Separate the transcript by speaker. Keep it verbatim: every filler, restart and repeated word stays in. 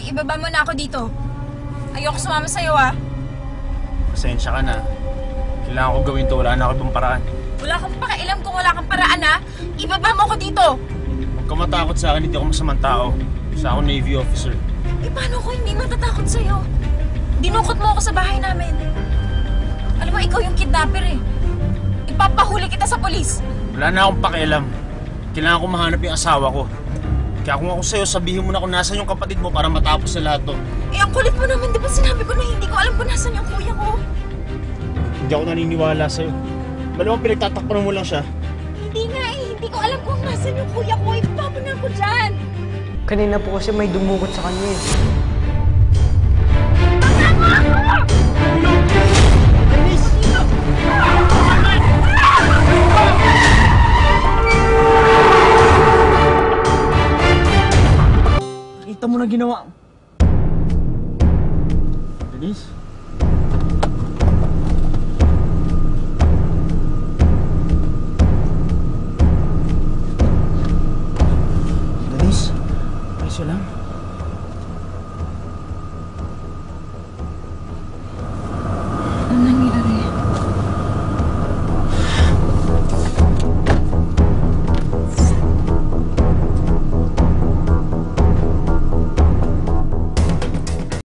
Speaker 1: ibaba mo na ako dito. Ayoko sumama sa'yo, ah.
Speaker 2: Pasensya ka na. Kailangan ko gawin to. Wala na ako ibang paraan.
Speaker 1: Wala kang pakialam kung wala kang paraan, ha? Ibaba mo ako dito.
Speaker 2: Huwag ka matakot sa akin. Hindi ako masamang tao. Isa ako Navy officer.
Speaker 1: Eh, paano ko hindi matatakot sa'yo? Dinukot mo ako sa bahay namin. Alam mo, ikaw yung kidnapper, eh. Ipapahuli kita sa polis.
Speaker 2: Wala na akong pakialam. Kailangan ko mahanap yung asawa ko. Kaya kung ako sa'yo, sabihin mo na kung nasan yung kapatid mo para matapos sa lahat to.
Speaker 1: Eh, ang kulit mo naman. Di ba sinabi ko na hindi ko alam kung nasan yung kuya ko?
Speaker 2: Hindi ako naniniwala sa'yo. Malamang pinagtatakpan mo lang siya.
Speaker 1: Hindi nga eh. Hindi ko alam kung nasan yung kuya ko. Ipapapon na ako dyan.
Speaker 3: Kanina po kasi may dumukot sa kanya eh.
Speaker 2: Kita mo na ginawa. Denise?